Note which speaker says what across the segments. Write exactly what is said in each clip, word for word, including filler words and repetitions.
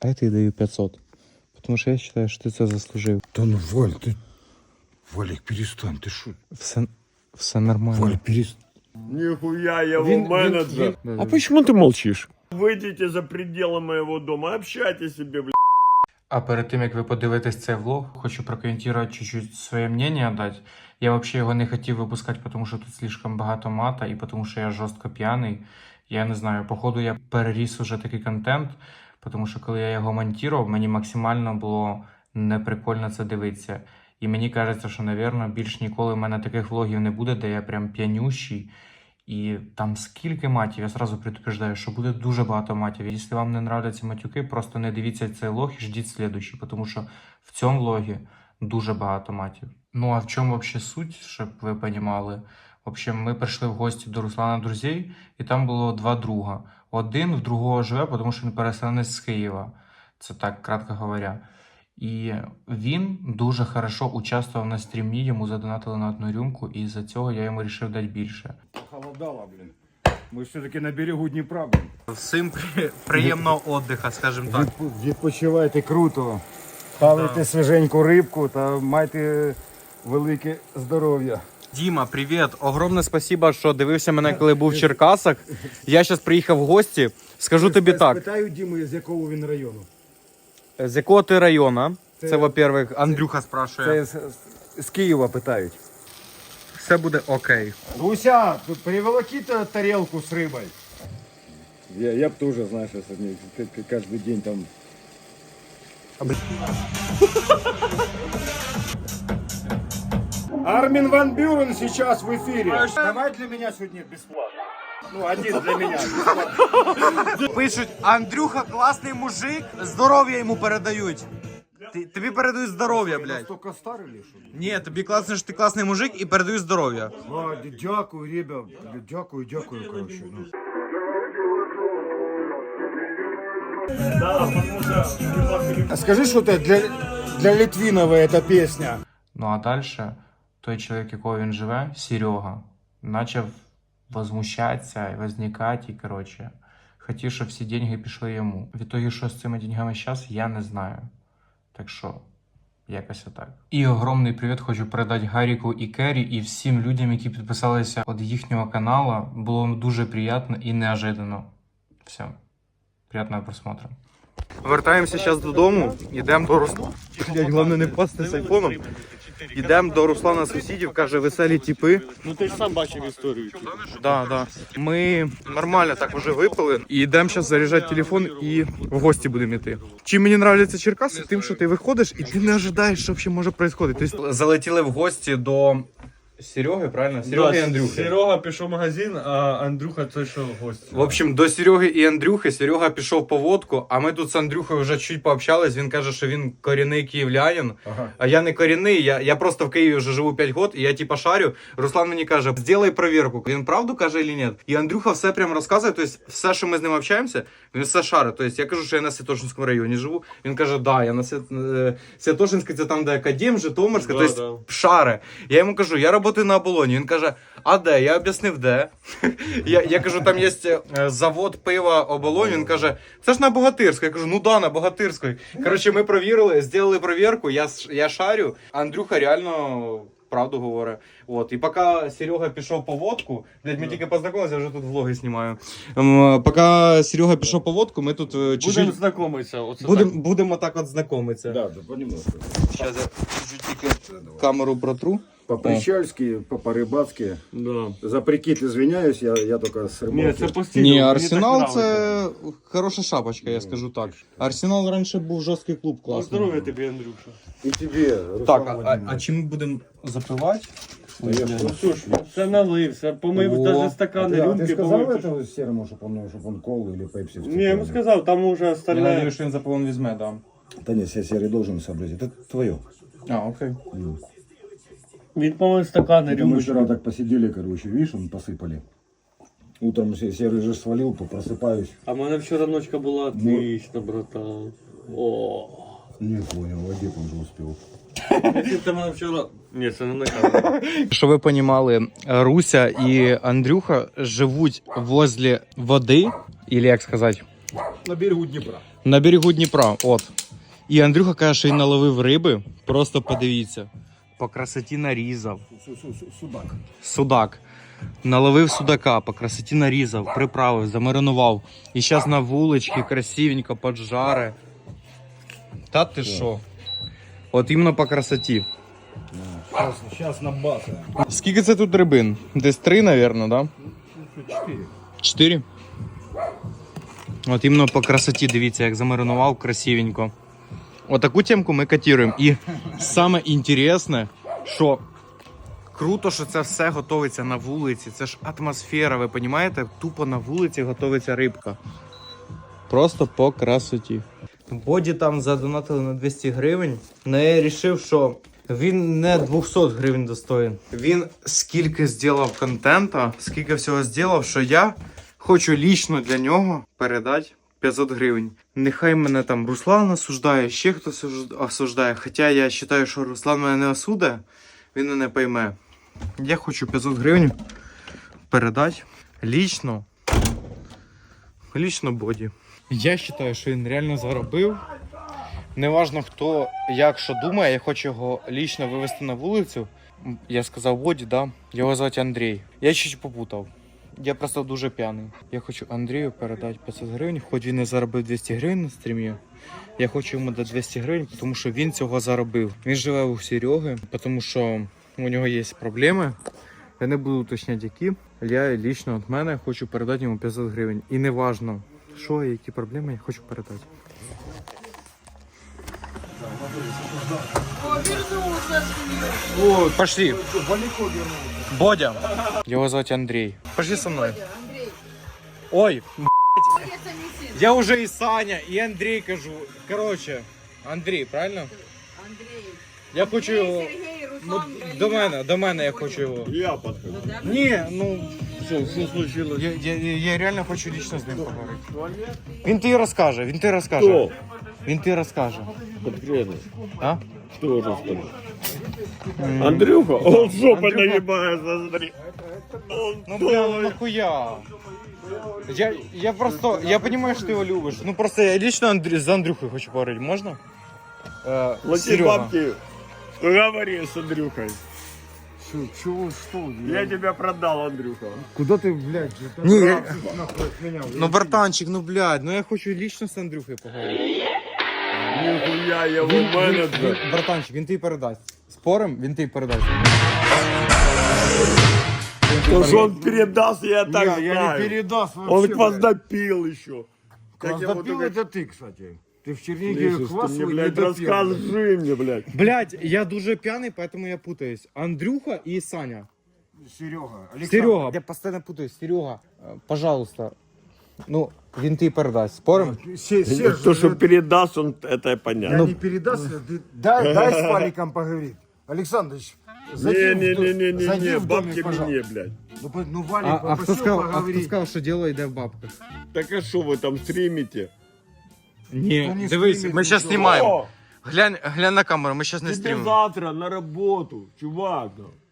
Speaker 1: А я тобі даю п'ятсот. Потому що я вважаю, що ти це заслужив.
Speaker 2: Да ну, Валь, ты... Валик, перестань, ты шо?
Speaker 1: Все, все нормально.
Speaker 2: Валь, перестань.
Speaker 3: Нихуя, я его
Speaker 1: Вин-
Speaker 3: менеджер.
Speaker 1: вин-
Speaker 3: А почему ты молчишь? Выйдите за пределы моего дома, общайтесь себе, блядь.
Speaker 1: А перед тим, як ви подивитесь цей влог, хочу прокоментувати чуть-чуть своє мнення дати. Я взагалі його не хотів випускати, тому що тут слишком багато мата і тому що я жорстко п'яний. Я не знаю, походу я переріс уже такий контент, тому що коли я його монтував, мені максимально було неприкольно це дивитися. І мені кажеться, що, напевно, більш ніколи в мене таких влогів не буде, де я прям п'янющий. І там скільки матів, я сразу предупреждаю, що буде дуже багато матів. Якщо вам не нравляться матюки, просто не дивіться цей влог і ждіть слідуючий, тому що в цьому влогі дуже багато матів. Ну а в чому взагалі суть, щоб ви розуміли? В общем, ми прийшли в гості до Руслана друзей, і там було два друга. Один в другого живе, тому що він переселенець з Києва. Це так, кратко говоря. І він дуже хорошо участвував на стрімі, йому задонатили на одну рюмку, і за цього я йому вирішив дати більше.
Speaker 2: Холодало, блин. Мы все-таки на берегу Днепра, блин.
Speaker 1: Всім приємного відпочинку, скажімо так.
Speaker 2: Від- Відпочивайте круто. Хавайте свіженьку рибку та майте велике здоров'я.
Speaker 1: Діма, привіт. Огромне спасибо, що дивився мене, коли був в Черкасах. Я зараз приїхав в гості. Скажу тобі так.
Speaker 2: Питаю Діми, з якого він району.
Speaker 1: З якого ти району? Це,
Speaker 2: Це-
Speaker 1: во-первых, Андрюха спрашує.
Speaker 2: Це з, з Києва питають.
Speaker 1: Все буде окей.
Speaker 2: Руся, приволоки то тарелку с рыбой. Я, я б тоже, знаешь, если каждый день там... Армин ван Бюрен сейчас в эфире. Давай для меня сегодня бесплатно. Ну, один для меня.
Speaker 1: Пишуть, Андрюха класний мужик, здоров'я йому передають. Ти, тобі передають здоров'я, блядь.
Speaker 2: Настолько старый или что?
Speaker 1: Ні, тобі класно, що ти класний мужик і передають здоров'я.
Speaker 2: А, дякую, ребят. Дякую, дякую, короче. Ну. Скажи, что это для, для Литвинова эта песня.
Speaker 1: Ну а далі той чоловік, якого він живе, Серега, почав возмущатися і возникати, і, коротше, хотів, щоб всі деньги пішли йому. В ітогі, що з цими деньгами зараз, я не знаю. Так що, якось отак. І огромний привіт хочу передати Гаріку і Кері, і всім людям, які підписалися від їхнього каналу. Було дуже приємно і неожиданно. Все. Приятного просмотру. Вертаємося зараз додому, йдемо до Руслана. Блять, головне не впасти з айфоном. Йдемо до Руслана сусідів, каже, веселі тіпи.
Speaker 3: Ну ты же сам бачив історію.
Speaker 1: Да, да. Ми нормально так вже випили. І йдемо зараз заряджати телефон і в гості будемо йти. Чим мені подобаються Черкаси? Тим, що ти виходиш і ти не ожидаєш, що взагалі може відбуватися. Тобто залетіли в гості до Сереги, правильно? Сереги і Андрюхи.
Speaker 3: Серега пішов в магазин, а Андрюха той, що гость.
Speaker 1: В общем, до Сереги і Андрюхи. Серега пішов по водку, а ми тут з Андрюхою вже чуть пообщались. Він каже, що він корінний київлянин,
Speaker 2: Ага.
Speaker 1: а я не корінний, я, я просто в Києві вже живу п'ять років, і я типа шарю. Руслан мені каже, зроби перевірку, він правду каже чи ні. І Андрюха все прям розказує, тобто все, що ми з ним общаємося, він все шарить. Тобто я кажу, що я на Святошинському районі живу, він каже, да, я на Свят... Святошинській, це там, де Академ, Житомирська,
Speaker 3: Да,
Speaker 1: тобто шари. Я йому кажу, я працюю на оболоні. Він каже, а де? Я об'яснив, де. я, я кажу, там є завод пива оболонь. Він каже, це ж на Богатирську. Я кажу, ну да, на Богатирської. Коротше, ми провірили, зробили перевірку, я, я шарю. Андрюха реально правду говорить. От. І поки Серега пішов по водку, блядь, ми тільки познайомилися, я вже тут влоги знімаю. Ем, поки Серега пішов по водку, ми тут е, чуть-чуть...
Speaker 3: Будемо знайомитися. Оце
Speaker 1: Будем, будемо так от знайомитися.
Speaker 2: Да, да, понемножку.
Speaker 1: Зараз я чуть-чуть тільки камеру протру.
Speaker 2: По-прищальски, по-порыбацки.
Speaker 3: так. Да.
Speaker 2: За прикид извиняюсь, я, я только с рыбалки.
Speaker 3: Ні, це постійно.
Speaker 1: Ні,
Speaker 3: мені
Speaker 1: Арсенал
Speaker 3: так
Speaker 1: це
Speaker 3: нравиться.
Speaker 1: хороша шапочка, я скажу так. Арсенал раніше був жорсткий клуб,
Speaker 3: Ну,
Speaker 1: класний.
Speaker 3: здоров'я тобі, Андрюша.
Speaker 2: И тебе, Руслан
Speaker 1: Так, а, а,
Speaker 2: Владимирович.
Speaker 1: а чим ми будемо запивати?
Speaker 2: Конечно.
Speaker 3: Ну що ж, все налився, помив
Speaker 1: О.
Speaker 3: навіть
Speaker 2: А
Speaker 3: стакани,
Speaker 2: ты, а
Speaker 3: рюмки
Speaker 2: ты сказал
Speaker 3: помив.
Speaker 2: этому серому, чтобы он, чтобы он колу или пепси?
Speaker 3: Ні, я йому сказав, там уже
Speaker 1: Я
Speaker 3: остальне.
Speaker 1: надію, що він за повон візьме, да.
Speaker 2: Да нет, я серый должен сообразить. Это твое.
Speaker 1: А, окей.
Speaker 3: Він помив стакани,
Speaker 2: Это мы
Speaker 3: рюмки.
Speaker 2: вчера так посидели, короче, видишь, он посыпали. Утром се- серый же свалил, просыпаюсь.
Speaker 3: А в мене вчора ночка була отлично, братан. О.
Speaker 2: Не понял, Вадик он же успел.
Speaker 3: Ти мене вчора... Ні, це не на камеру.
Speaker 1: Щоб ви розуміли, Руся і Андрюха живуть возле води, або як сказати,
Speaker 2: на берегу Дніпра.
Speaker 1: На берегу Дніпра, от. І Андрюха каже, що він наловив риби. Просто подивіться. По красоті нарізав.
Speaker 2: Судак.
Speaker 1: Судак. Наловив судака, по красоті нарізав, приправив, замаринував. І зараз на вуличці красивенько поджаре. Та ти що? От іменно по красоті.
Speaker 2: Сейчас, сейчас набасаем.
Speaker 1: Скільки це тут рибин? Десь три, мабуть, да?
Speaker 2: Четыре.
Speaker 1: Чотири? От іменно по красоті, дивіться, як замаринував красивенько. Отаку темку ми котируємо. І саме інтересне, що круто, що це все готується на вулиці. Це ж атмосфера, ви розумієте? Тупо на вулиці готується рибка. Просто по красоті. Боді там задонатили на двісті гривень, але я вирішив, що він не двісті гривень достоїн. Він скільки зробив контента, скільки всього зробив, що я хочу лічно для нього передати п'ятсот гривень. Нехай мене там Руслан осуждає, ще хтось осуждає. Хоча я вважаю, що Руслан мене не осудить, він мене пойме. Я хочу п'ятсот гривень передати лічно. Лічно Боді. Я вважаю, що він реально заробив. Неважно хто як що думає, я хочу його лічно вивезти на вулицю. Я сказав Боді, да? Його звати Андрій. Я чуть попутав. Я просто дуже п'яний. Я хочу Андрію передати п'ятсот гривень, хоч він не заробив двісті гривень на стрімі. Я хочу йому дати двісті гривень, тому що він цього заробив. Він живе у Сереги, тому що у нього є проблеми. Я не буду уточняти які. Я лічно від мене хочу передати йому п'ятсот гривень. І не важно, що і які проблеми, я хочу передати. О, пошли. Бодя. Его зовут Андрей. Пошли со мной. Ой, я уже и Саня, и Андрей кажу. Короче, Андрей, правильно?
Speaker 4: Андрій.
Speaker 1: Я хочу його.
Speaker 4: Сергій,
Speaker 1: Ну,
Speaker 4: Руслан,
Speaker 1: до мене, до мене я хочу його.
Speaker 3: Я подхожу.
Speaker 1: Ні, ну.
Speaker 3: Что, что случилось?
Speaker 1: Я, я, я реально хочу лично з ним поговорити. Він тобі розкаже, він тобі розкаже.
Speaker 3: Кто?
Speaker 1: Він тобі розкаже.
Speaker 3: Конкретно.
Speaker 1: А?
Speaker 3: Кто уже сказал? Андрюха? Он жопой
Speaker 1: Андрюха.
Speaker 3: нагибается, смотри.
Speaker 1: Ну бля, ну нахуя? Я, я просто, я понимаю, что ты его любишь. Ну просто я лично Андрю, за Андрюхой хочу поговорить, можно? Э,
Speaker 3: Плати
Speaker 1: Серега.
Speaker 3: бабки. Говори с Андрюхой.
Speaker 2: Что, чего, что?
Speaker 3: Я тебя продал, Андрюха.
Speaker 2: Куда ты, блядь? Это
Speaker 1: Не, я-
Speaker 2: нахуй, нахуй от меня.
Speaker 1: Ну братанчик, ну блядь, ну я хочу лично с Андрюхой поговорить.
Speaker 3: Нихуя, я его
Speaker 1: Він- він-
Speaker 3: менеджер.
Speaker 1: він- Братанчик, він тобі передасть. Спорим, він тобі передасть.
Speaker 3: То, что он передаст, я так
Speaker 2: Я, я не
Speaker 3: знаю.
Speaker 2: передаст вообще.
Speaker 3: Он
Speaker 2: блядь.
Speaker 3: кваздопил еще. Как я вот
Speaker 2: Кваздопил
Speaker 3: только-
Speaker 2: это ты, кстати. Ты в Чернигове
Speaker 3: Слышишь,
Speaker 2: квас
Speaker 3: ты мне,
Speaker 2: свой
Speaker 3: блядь,
Speaker 2: не допил.
Speaker 3: расскажи мне, блядь.
Speaker 1: Блядь, я дуже пьяный, поэтому я путаюсь. Андрюха и Саня.
Speaker 2: Серега. Александр.
Speaker 1: Серега. Я постоянно путаюсь. Серега, э, пожалуйста. Ну, він тобі передасть. Спорим?
Speaker 2: Се- Серж,
Speaker 3: То, что
Speaker 2: это-
Speaker 3: передаст, он, это
Speaker 2: я
Speaker 3: понятно.
Speaker 2: не передаст, ты дай, дай с Паликом поговорить. Александрович, зайди в дом- зайди
Speaker 3: Не-не-не-не-не,
Speaker 2: в домик,
Speaker 3: бабки
Speaker 2: пожалуйста.
Speaker 3: мне, блядь.
Speaker 2: Ну, по- ну Валик
Speaker 1: А, а, хто
Speaker 2: попросил
Speaker 1: сказав, а хто
Speaker 2: поговорить.
Speaker 1: сказав, що діло йде в бабках?
Speaker 3: Так а что вы там стримите?
Speaker 1: Ні,
Speaker 2: Та не
Speaker 1: дивись,
Speaker 2: стрімить
Speaker 1: ми зараз
Speaker 2: нічого.
Speaker 1: знімаємо.
Speaker 3: О,
Speaker 1: Глянь, глянь на камеру, ми зараз не
Speaker 3: тебе
Speaker 1: стрімимо.
Speaker 3: завтра на работу, чувак.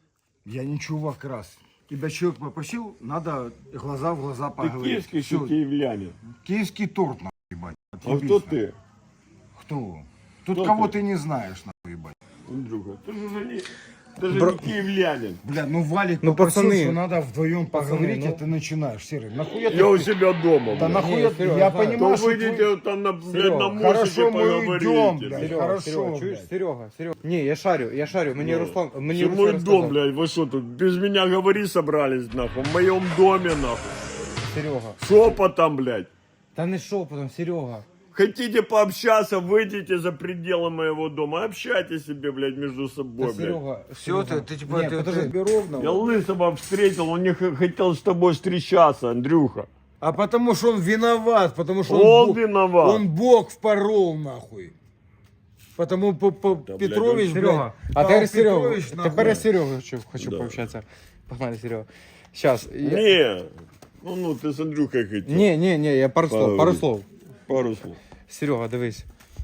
Speaker 2: Я не чувак раз. Тебя человек попросил, надо глаза в глаза
Speaker 3: Ты
Speaker 2: поговорить.
Speaker 3: киевский,
Speaker 2: Всё.
Speaker 3: что киевлянин.
Speaker 2: Киевский торт, нахуй, ебать.
Speaker 3: А
Speaker 2: Отъебись,
Speaker 3: кто
Speaker 2: нахуй.
Speaker 3: ты?
Speaker 2: Кто? Тут
Speaker 3: Кто
Speaker 2: кого
Speaker 3: ты?
Speaker 2: ты не знаешь, нахуй, ебать.
Speaker 3: Андрюха, ты же уже не, ты же
Speaker 1: Бро-
Speaker 3: не киевлянин.
Speaker 2: Бля, ну Валик
Speaker 1: Ну,
Speaker 2: попросил,
Speaker 1: пацаны.
Speaker 2: что надо вдвоем поговорить,
Speaker 1: ну.
Speaker 2: а ты начинаешь. Серый, нахуя
Speaker 3: Я
Speaker 2: ты...
Speaker 3: у себя дома,
Speaker 2: Да
Speaker 3: блядь.
Speaker 2: нахуя
Speaker 1: Не,
Speaker 2: ты...
Speaker 1: Серёга,
Speaker 2: Я
Speaker 1: знаю.
Speaker 2: понимаю,
Speaker 3: То
Speaker 2: что
Speaker 3: выйдите
Speaker 2: твой-
Speaker 3: вот там на, блядь,
Speaker 1: Серёга,
Speaker 3: на мостике
Speaker 2: хорошо, мы
Speaker 3: поговорите.
Speaker 2: уйдем, блядь.
Speaker 1: Серега,
Speaker 2: Хорошо,
Speaker 1: Серега, чуєш?
Speaker 2: блядь.
Speaker 1: Серега, Серега. Не, я шарю, я шарю. Мені
Speaker 3: Ну,
Speaker 1: Руслан, мені
Speaker 3: Это
Speaker 1: Руслан
Speaker 3: мой
Speaker 1: розказав.
Speaker 3: дом, блядь, вы что тут без меня говорить собрались, нахуй? В моем доме, нахуй.
Speaker 1: Серега.
Speaker 3: Шепотом, блядь.
Speaker 1: Та не шепотом, Серега.
Speaker 3: Хотите пообщаться, выйдите за пределы моего дома. Общайтесь себе, блядь, между собой,
Speaker 1: Та
Speaker 3: блядь.
Speaker 1: Серега.
Speaker 2: Все,
Speaker 1: Серега.
Speaker 2: ты, ты типа,
Speaker 1: Ні,
Speaker 2: ты,
Speaker 1: подожди.
Speaker 2: ты ровно.
Speaker 3: Я Лысого встретил, он не х- хотел с тобой встречаться, Андрюха.
Speaker 2: А потому что он виноват, потому что он,
Speaker 3: Он
Speaker 2: Бог,
Speaker 3: виноват.
Speaker 2: он Бог впорол, нахуй. Потому по, по,
Speaker 3: Да, блядь,
Speaker 2: Петрович,
Speaker 3: он-
Speaker 1: Серега.
Speaker 2: блядь,
Speaker 1: А
Speaker 2: Павел
Speaker 1: тепер Серега.
Speaker 2: Петрович,
Speaker 1: Тепер
Speaker 2: нахуй.
Speaker 1: я Серега хочу, хочу
Speaker 3: Да.
Speaker 1: пообщатися. Погнали, Серега. Сейчас. Я...
Speaker 3: Не, ну, ну ты с Андрюхой хотел.
Speaker 1: Ні, ні, ні, я пару слов, пару
Speaker 3: Поговори.
Speaker 1: слов.
Speaker 3: Пару слов.
Speaker 1: Серега, дивись.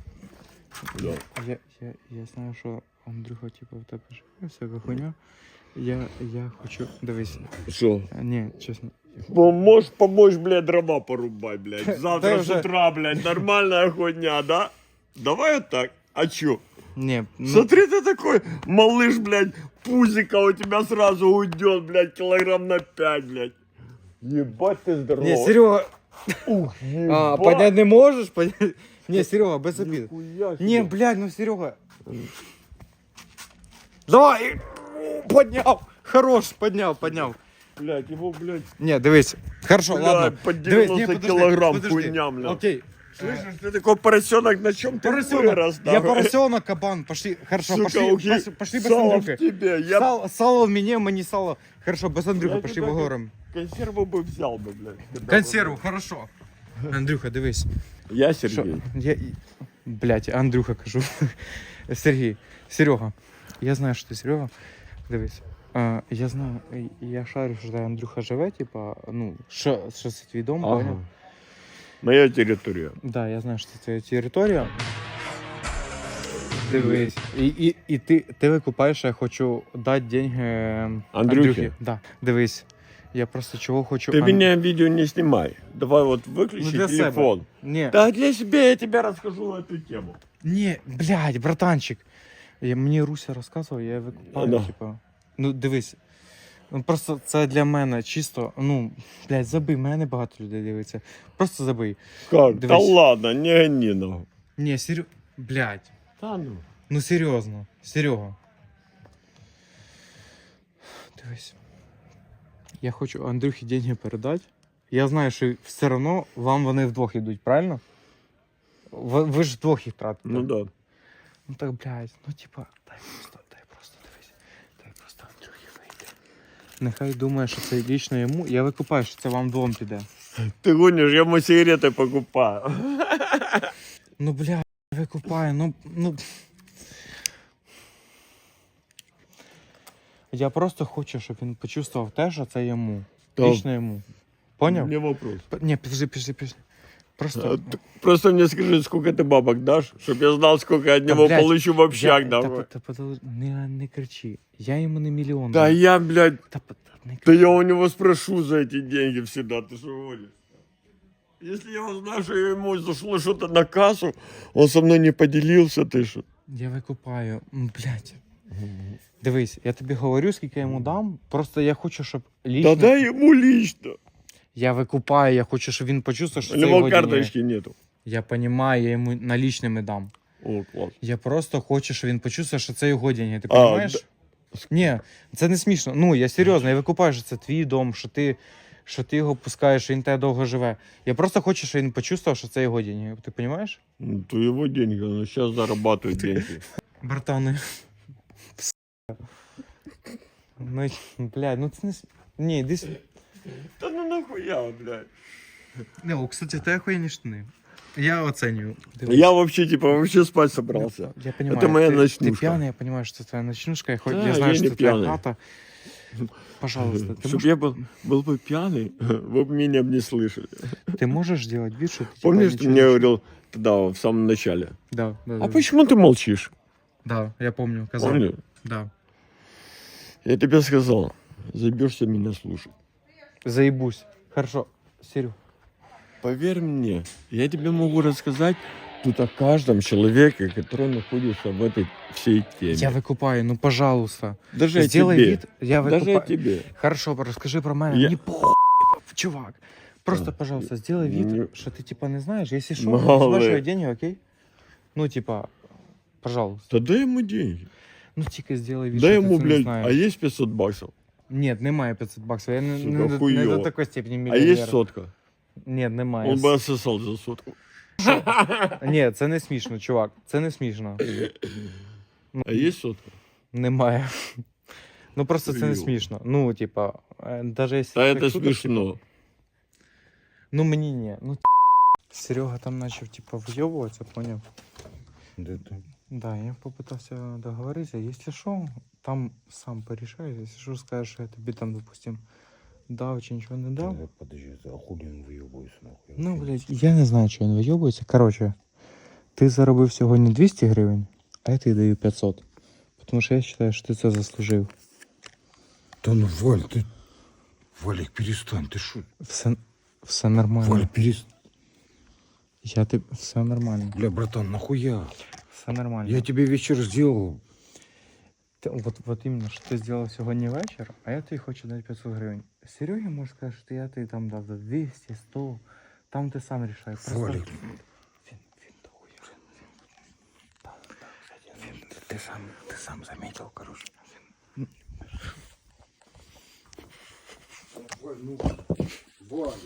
Speaker 3: Да.
Speaker 1: Я, я, я знаю, що Андрюха, типу, в тебе живе, всяка хуйня. Я, я хочу, дивись.
Speaker 3: Что?
Speaker 1: А, Ні, чесно,
Speaker 3: Можешь помочь, блядь, дрова порубать, блядь. Завтра
Speaker 1: Да
Speaker 3: с
Speaker 1: уже-
Speaker 3: утра, блядь, нормальная ходня, да? Давай вот так. А чё?
Speaker 1: Не, ну,
Speaker 3: Смотри, ты такой малыш, блядь, пузика у тебя сразу уйдет, блядь, килограмм на пять, блядь. Ебать ты здоровый.
Speaker 1: не, Серега,
Speaker 3: Ух,
Speaker 1: а,
Speaker 3: ебать.
Speaker 1: поднять не можешь? Поднять... Не, Серега, без обид.
Speaker 3: Нихуя себе.
Speaker 1: Не, блядь, ну Серега. Давай! Поднял! Хорош, поднял, поднял.
Speaker 3: Блядь, его, блядь,
Speaker 1: Не, дивись. Хорошо,
Speaker 3: блядь,
Speaker 1: ладно.
Speaker 3: по
Speaker 1: Дивись,
Speaker 3: девяносто
Speaker 1: не, подожди,
Speaker 3: килограмм
Speaker 1: подожди.
Speaker 3: хуйня, блядь.
Speaker 1: Окей.
Speaker 3: Слышишь, ты такой поросенок, на чем ты
Speaker 1: Поросенок.
Speaker 3: вырос,
Speaker 1: Я
Speaker 3: нахуй?
Speaker 1: поросенок, кабан. Пошли. Хорошо,
Speaker 3: Сука,
Speaker 1: пошли.
Speaker 3: ухи-
Speaker 1: пошли, пошли без
Speaker 3: сало в
Speaker 1: Андрюхи.
Speaker 3: тебе, я
Speaker 1: Сало, сало в мне, мы не сало. Хорошо, без Андрюха,
Speaker 3: Я
Speaker 1: пошли
Speaker 3: тебе
Speaker 1: поговорим.
Speaker 3: консерву бы взял бы, блядь. когда
Speaker 1: Консерву, хорошо. Андрюха, дивись.
Speaker 3: бы- Я
Speaker 1: Що?
Speaker 3: Сергей.
Speaker 1: Я... Блять, Андрюха кажу. Сергій, Серега. Я знаю, що ти Серега. Дивись. А, я знаю, я шарю, що де Андрюха живе, типа, ну, що, що це твій дом,
Speaker 3: Ага.
Speaker 1: поняв?
Speaker 3: Моя территория.
Speaker 1: Да, я знаю, що це твоя територія. Дивись. І, і, і ти, ти викупаєш, що я хочу дати деньги ем,
Speaker 3: Андрюхі?
Speaker 1: Андрюхі. Да. Дивись. Я просто чого хочу...
Speaker 3: Ты
Speaker 1: Ан-
Speaker 3: меня видео не снимай. Давай вот
Speaker 1: Ну,
Speaker 3: выключи
Speaker 1: для себе.
Speaker 3: телефон.
Speaker 1: Ні,
Speaker 3: Да для себя я тебе расскажу на эту тему.
Speaker 1: ні, блядь, братанчик. Я, мені Руся розказував, я викупаю,
Speaker 3: Да.
Speaker 1: типа. Ну, дивись. Ну, просто це для мене чисто, ну, блядь, забий, мене багато людей дивиться. Просто забий.
Speaker 3: Как? Да
Speaker 1: Дивись.
Speaker 3: ладно, не гони нахуй.
Speaker 1: Ні, Серега, блядь.
Speaker 3: Да ну.
Speaker 1: Ну, серйозно, Серега. Дивись. Я хочу Андрюхі деньги передати. Я знаю, що все одно вам вони вдвох йдуть, правильно? Ви, ви ж вдвох їх тратите.
Speaker 3: Ну да.
Speaker 1: Ну так, блядь, ну типа, дай просто, дай просто, дивись. Дай просто Андрюхі вийти. Нехай думає, що це лічно йому. Я викупаю, що це вам двом піде.
Speaker 3: Ты гонишь, я ему сигареты покупаю.
Speaker 1: Ну, блядь, викупаю, ну, ну... Я просто хочу, щоб він почувствував те, що це йому.
Speaker 3: Да.
Speaker 1: Лічно йому. Поняв?
Speaker 3: Не вопрос.
Speaker 1: П- Ні, підожди, підожди, підожди. Просто...
Speaker 3: А, ты Просто мне скажи, сколько ты бабок дашь, чтобы я знал, сколько я от
Speaker 1: Та,
Speaker 3: него
Speaker 1: блядь,
Speaker 3: получу в общак,
Speaker 1: я-
Speaker 3: давай.
Speaker 1: Та, та, та, не, не кричи. Я йому не мільйон.
Speaker 3: Да
Speaker 1: дам.
Speaker 3: я, блядь,
Speaker 1: Та, та, не
Speaker 3: да
Speaker 1: кричи.
Speaker 3: я у него спрошу за эти деньги всегда, ты что гонишь? Если я узнаю, что ему зашло что-то на кассу, он со мной не поделился, ты что?
Speaker 1: Я викупаю. М, Блядь. Дивись, я тобі говорю, скільки я йому дам. Просто я хочу, щоб лічно...
Speaker 3: Да дай ему лично.
Speaker 1: Я викупаю, я хочу, щоб він почувствував, що
Speaker 3: У
Speaker 1: це
Speaker 3: него
Speaker 1: його деньги.
Speaker 3: карточки нету.
Speaker 1: Я розумію, я йому налічними дам.
Speaker 3: О, класс.
Speaker 1: Я просто хочу, щоб він почувствував, що це його деньги. Ти
Speaker 3: А,
Speaker 1: розумієш? Ні, це не смішно. Ну, я серйозно, я викупаю, що це твій дом, що ти, що ти його пускаєш, що він тебе довго живе. Я просто хочу, щоб він почувствував, що це його деньги. Ти розумієш?
Speaker 3: Ну, то его деньги, он сейчас зарабатывает деньги.
Speaker 1: Братани. Ну, блядь, ну це не... с- Ні, іди сюди.
Speaker 3: Да ну нахуя, блядь.
Speaker 1: Не, о, кстати, ти охуєнні штани. Я оценюю.
Speaker 3: Я вообще, типа, вообще спать собрался.
Speaker 1: Я понимаю,
Speaker 3: Это моя
Speaker 1: ты,
Speaker 3: ночнушка.
Speaker 1: Ты пьяный, я понимаю, что это твоя ночнушка. Я, хоть,
Speaker 3: Да,
Speaker 1: я знаю,
Speaker 3: я
Speaker 1: что
Speaker 3: не
Speaker 1: это твоя
Speaker 3: пьяный.
Speaker 1: хата. Пожалуйста, ты,
Speaker 3: Чтобы
Speaker 1: можешь,
Speaker 3: я был, был бы пьяный, вы бы меня бы не слышали.
Speaker 1: ты можешь делать вид, что ты типа,
Speaker 3: Помнишь, ты
Speaker 1: ничего
Speaker 3: мне
Speaker 1: не-
Speaker 3: говорил тогда, в самом начале?
Speaker 1: Да, да,
Speaker 3: А
Speaker 1: да.
Speaker 3: почему ты молчишь?
Speaker 1: Да, я помню, казал.
Speaker 3: Помню.
Speaker 1: Да.
Speaker 3: Я тебе сказал, забьешься меня слушать.
Speaker 1: Заебусь. Хорошо, Серю.
Speaker 3: Поверь мне, я тебе могу рассказать тут о каждом человеке, который находится в этой всей теме.
Speaker 1: Я выкупаю, ну пожалуйста.
Speaker 3: Даже о
Speaker 1: Сделай
Speaker 3: тебе.
Speaker 1: вид, я
Speaker 3: Даже о
Speaker 1: выкупаю.
Speaker 3: тебе.
Speaker 1: Хорошо, расскажи про меня.
Speaker 3: Я-
Speaker 1: Не похуй, чувак. Просто,
Speaker 3: Да.
Speaker 1: пожалуйста, сделай вид,
Speaker 3: Не-
Speaker 1: что ты типа не знаешь. Если что,
Speaker 3: Малый.
Speaker 1: спрашивай деньги, окей? Ну, типа, пожалуйста.
Speaker 3: Да дай ему деньги.
Speaker 1: Ну, тільки сделай вид,
Speaker 3: Дай
Speaker 1: що ти
Speaker 3: ему,
Speaker 1: це не
Speaker 3: блядь,
Speaker 1: знаєш.
Speaker 3: а есть пятьсот баксов?
Speaker 1: Нет, немає п'ятсот баксів. Я не,
Speaker 3: Сука,
Speaker 1: не, до- не
Speaker 3: хуйово.
Speaker 1: до такої степені
Speaker 3: А
Speaker 1: мільйонер.
Speaker 3: есть сотка?
Speaker 1: Ні, немає.
Speaker 3: Он бы отсосал за сотку.
Speaker 1: Ні, це не смішно, чувак. Це не смішно.
Speaker 3: А есть сотка?
Speaker 1: Немає. Ну просто це не
Speaker 3: Хуйово.
Speaker 1: смішно. Ну, типа, е, даже якщо
Speaker 3: Да
Speaker 1: так
Speaker 3: это
Speaker 1: шутиш,
Speaker 3: смешно.
Speaker 1: типа, ну мені ні. Ну, Серега там почав, типа, вийобуватися, поняв? Да, я попытался договориться. Если что, там сам порешаешь. Если что, скажешь, что я тебе там, допустим, дав чи нічого не дав.
Speaker 4: Да, подожди, а хули он выебывается нахуй?
Speaker 1: Ну, блядь, я не знаю, що він вийобується. Короче, ти заробив сьогодні двісті гривень, а я тобі даю п'ятсот. Тому що я вважаю, що ти це заслужив.
Speaker 4: Да ну, Валь, ты... Валик, перестань, ты шо?
Speaker 1: Все, все нормально.
Speaker 4: Валик, перестань.
Speaker 1: Я ти... Все нормально.
Speaker 4: Бля, братан, нахуя?
Speaker 1: Все нормально.
Speaker 4: Я тебе вечер сделал.
Speaker 1: Ти, от, от іменно, що ти зробив сьогодні вечір, а я тобі хочу дати п'ятсот гривень. Сереге можеш сказати, що я тобі там дав за двісті, сто. Там ти сам рішаєш. Просто...
Speaker 4: Валик,
Speaker 1: Він, він дохуя. Да, да, він,
Speaker 4: ты сам, ты сам заметил, короче.
Speaker 2: Валь, ну, Валик.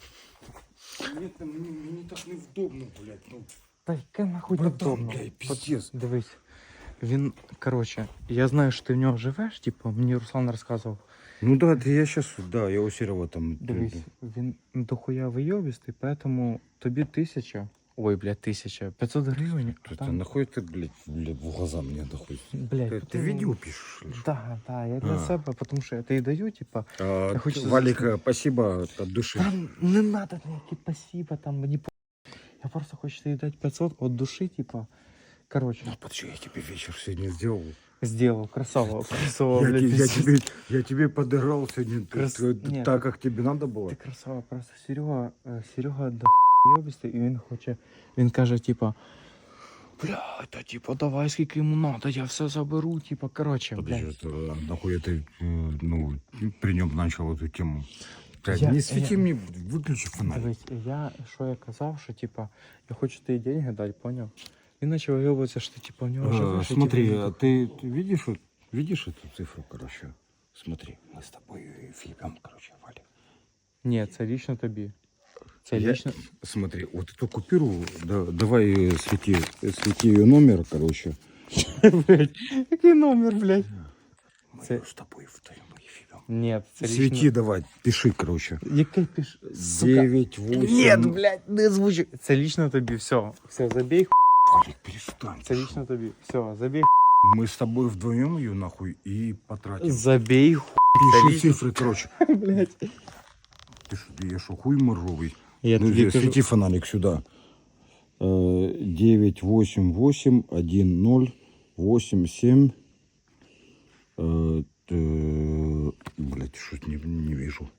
Speaker 2: Мне, мне, мне так невдобно, блядь. Ну,
Speaker 1: Та яке нахуй
Speaker 2: Братан,
Speaker 1: невдобно.
Speaker 2: блядь, пиздец.
Speaker 1: Дивись. Він, коротше, я знаю, що ти в нього живеш, типу, мені Руслан розказував.
Speaker 4: Ну да, ты я сейчас, да, я у Серого там.
Speaker 1: Дивись, він дохуя вийобістий, поэтому тобі тисяча, ой, блядь, тисяча, п'ятсот гривень, а
Speaker 4: Ты
Speaker 1: там,
Speaker 4: нахуй ты, блядь, блядь, в глаза мне нахуй.
Speaker 1: блядь,
Speaker 4: Ты, ты
Speaker 1: потім-
Speaker 4: видео пишешь? или что?
Speaker 1: Да, да, я для
Speaker 4: А.
Speaker 1: себе, тому що я тобі даю, типа,
Speaker 4: А,
Speaker 1: Я хочу
Speaker 4: Валик,
Speaker 1: зайти.
Speaker 4: э, спасибо от души.
Speaker 1: там не надо ніякі спасибо, там мені по... Я просто хочу тобі дати п'ятсот от душі, типа, короче,
Speaker 4: Ну, подожди, я тебе вечер сегодня сделал.
Speaker 1: сделал, красава, красава,
Speaker 4: Я,
Speaker 1: блядь,
Speaker 4: те- я,
Speaker 1: пиздец.
Speaker 4: тебе, я тебе подыграл сегодня т-
Speaker 1: Крас-
Speaker 4: т-
Speaker 1: Нет.
Speaker 4: так, как тебе надо было.
Speaker 1: Ти красава, просто Серега, е, Серега до йобістий, і він хоче, він каже, типа, бля, та типа, давай скільки йому надо, я все заберу, типа, короче,
Speaker 4: Подожди,
Speaker 1: блядь.
Speaker 4: это, а нахуй ты, э, ну, при нем начал эту тему. Блядь,
Speaker 1: Я-
Speaker 4: не свети
Speaker 1: я-
Speaker 4: мне, выключи фонарик.
Speaker 1: Дивись, я, що я казав, що, типа, я хочу тобі деньги дати, поняв? Він почав вийобуватися, що, типа, в нього
Speaker 4: Э,
Speaker 1: живеш, і,
Speaker 4: смотри,
Speaker 1: типа,
Speaker 4: а ты, ты видишь, вот- видишь эту цифру, короче? Смотри, мы с тобой фигом, короче, Валя.
Speaker 1: Ні, це лично тобі. Це
Speaker 4: Я-
Speaker 1: лично...
Speaker 4: Смотри, вот эту купюру, да, давай э, свети, э, свети ее номер, короче.
Speaker 1: Блядь, який номер, блядь?
Speaker 4: Мы
Speaker 1: Це-
Speaker 4: её с тобой вдвоем эфиром.
Speaker 1: Ні, це
Speaker 4: Свети
Speaker 1: лично...
Speaker 4: давай, пиши, короче.
Speaker 1: Який піш... Сука.
Speaker 4: девять, восемь.
Speaker 1: Нет, блядь, не звучи. Це лично тобі, все. Все, забей, х**.
Speaker 4: Валик, перестань.
Speaker 1: Це лично тобі. Все, забей,
Speaker 4: Мы с тобой вдвоем ее нахуй и потратим.
Speaker 1: забей, х**.
Speaker 4: Пиши
Speaker 1: лично.
Speaker 4: цифры, короче.
Speaker 1: Блядь.
Speaker 4: Ты что, я что, хуй моржовый?
Speaker 1: Я
Speaker 4: Ну,
Speaker 1: тобі
Speaker 4: здесь
Speaker 1: кажу,
Speaker 4: свети фонарик сюда. Э, девять, восемь, восемь, один, ноль, восемь, семь. Э, т- Блядь, что-то не, не вижу.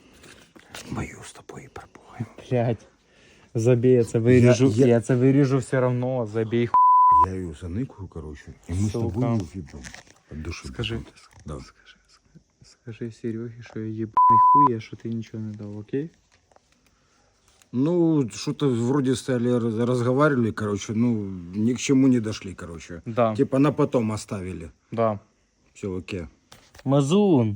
Speaker 4: Мою с тобой пробуем.
Speaker 1: блядь. Забей, я це виріжу.
Speaker 4: Я-
Speaker 1: Я,
Speaker 4: я-
Speaker 1: це виріжу все равно. Забей, х**.
Speaker 4: Я ее заныкаю, короче, и мы с
Speaker 1: Сука.
Speaker 4: тобой увидим. От души.
Speaker 1: Скажи.
Speaker 4: Да.
Speaker 1: Скажи, скажи Серегі, що я єбаний хуй, а що ти нічого не дав, окей?
Speaker 4: Ну, что-то вроде стали раз- разговаривали, короче, ну, ни к чему не дошли, короче.
Speaker 1: Да,
Speaker 4: Типа на потом оставили.
Speaker 1: да.
Speaker 4: Все, окей.
Speaker 5: Мазун,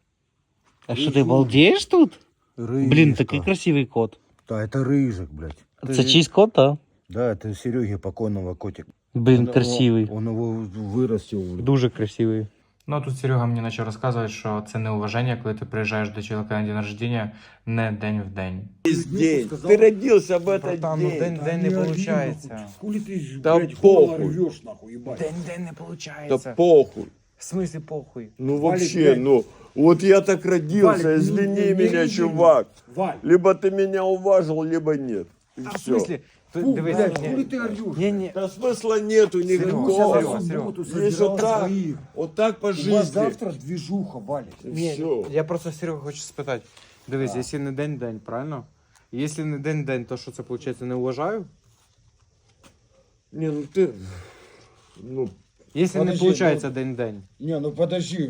Speaker 5: а что ты балдеешь тут? Блин, такой красивый кот.
Speaker 4: Да, это рыжик, блядь.
Speaker 5: Это чийсь кот, да?
Speaker 4: Да, это Сереги покойного котик.
Speaker 5: Блин,
Speaker 4: Он-
Speaker 5: красивый.
Speaker 4: Он, он его вырастил.
Speaker 1: Дуже красивий.
Speaker 6: Ну, а тут Серега мені почав розказувати, що це неуваження, коли ти приїжджаєш до чоловіка на день народження не день в день.
Speaker 3: День. Ты родился в этот
Speaker 1: Братан, ну
Speaker 3: день.
Speaker 1: день в день не виходить.
Speaker 2: Хули ты,
Speaker 3: Да
Speaker 2: блядь,
Speaker 3: похуй.
Speaker 2: горло рвешь, нахуй, ебать.
Speaker 1: День в день не
Speaker 3: Да
Speaker 1: виходить.
Speaker 3: похуй.
Speaker 1: В смысле похуй?
Speaker 3: Ну
Speaker 2: Валик,
Speaker 3: вообще,
Speaker 2: блядь.
Speaker 3: ну, вот я так родился,
Speaker 2: Валик, ну,
Speaker 3: извини
Speaker 2: не
Speaker 3: меня,
Speaker 2: режи
Speaker 3: чувак.
Speaker 2: Валь,
Speaker 3: Либо ты меня уважил, либо нет. И
Speaker 1: А в
Speaker 3: все.
Speaker 1: смысле? Ти-
Speaker 2: фу,
Speaker 1: Дивись,
Speaker 2: блядь,
Speaker 1: ні-
Speaker 2: хули ты орешь?
Speaker 1: ні, ні.
Speaker 3: Да смысла нету никакого.
Speaker 1: Серега, Серега.
Speaker 2: Субботу
Speaker 3: Есть
Speaker 2: собирал
Speaker 3: вот так,
Speaker 2: своих.
Speaker 3: вот так по
Speaker 2: У вас
Speaker 3: жизни.
Speaker 2: завтра движуха, Валик.
Speaker 3: И
Speaker 1: Ні,
Speaker 3: все.
Speaker 1: я просто Серега хочу спитати. Дивись, якщо не день-день, правильно? Якщо не день-день, то що це виходить, не уважаю?
Speaker 3: Не, ну ты, ну,
Speaker 1: Якщо не
Speaker 2: Подожди,
Speaker 1: виходить день-день.
Speaker 2: Не, ну подожди.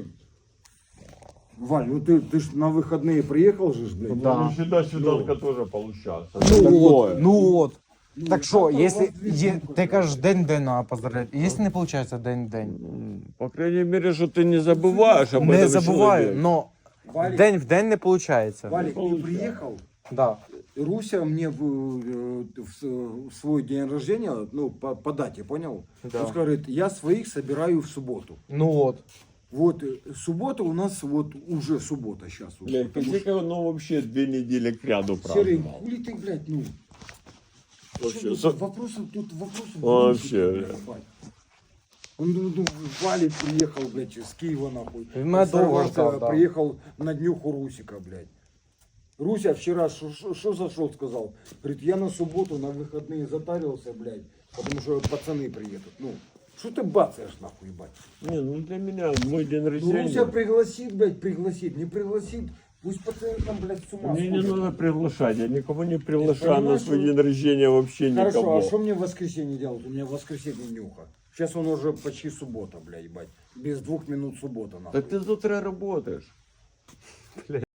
Speaker 2: Валь, ну ты, ты ж на выходные приехал же, ж, блядь.
Speaker 1: Да.
Speaker 3: всегда свиданка тоже получается.
Speaker 1: Ну от, ну от.
Speaker 2: Ну,
Speaker 1: Так що,
Speaker 2: завтра у
Speaker 1: якщо
Speaker 2: вас
Speaker 1: є,
Speaker 2: движуха,
Speaker 1: ти кажеш день-день треба поздравляти, якщо не виходить день-день,
Speaker 3: М, По крайней мере, что ты не забываешь об
Speaker 1: не
Speaker 3: этом
Speaker 1: забуваю,
Speaker 3: человеке.
Speaker 1: но
Speaker 2: Валик,
Speaker 1: день в день не виходить.
Speaker 2: Валик, ты приехал,
Speaker 1: Да.
Speaker 2: Руся мне в, э, в с- в свой день рождения, ну, по, по дате, понял?
Speaker 1: Да.
Speaker 2: Он говорит, я своих собираю в субботу.
Speaker 1: Ну от.
Speaker 2: Вот, э, суббота у нас вот уже суббота сейчас. Вот,
Speaker 3: Блядь,
Speaker 2: потому
Speaker 3: Косика, ну вообще две недели к ряду
Speaker 2: что- Серый,
Speaker 3: праздновал.
Speaker 2: хули ты, блядь, ну...
Speaker 3: Вообще,
Speaker 2: Что тут
Speaker 3: за-
Speaker 2: вопросов, тут вопросов...
Speaker 3: Вообще,
Speaker 2: блядь,
Speaker 3: блядь.
Speaker 2: ебать. Он, ну, ну, Валик приехал, блядь, с Киева, нахуй.
Speaker 1: Він мене довго
Speaker 2: Сорвался,
Speaker 1: ждав, да.
Speaker 2: Приехал на днюху Русика, блядь. Руся вчера что зашел, сказал? Говорит, я на субботу, на выходные затарился, блядь, потому что пацаны приедут. Ну, что ты бацаешь, нахуй, ебать?
Speaker 3: Не, ну для меня мой день
Speaker 2: Ну,
Speaker 3: рождения.
Speaker 2: Руся пригласит, блядь, пригласит. Не пригласит, Пусть пацаны там, блядь, с ума
Speaker 3: Мне не
Speaker 2: сходят.
Speaker 3: надо приглашать, я никого не приглашаю на
Speaker 2: понимаешь,
Speaker 3: свой
Speaker 2: что-
Speaker 3: день рождения вообще
Speaker 2: Хорошо,
Speaker 3: никого.
Speaker 2: а что мне в воскресенье делать? У меня в воскресенье нюха. Сейчас он уже почти суббота, блядь, ебать. Без двух минут суббота, нахуй.
Speaker 3: Так ты завтра работаешь.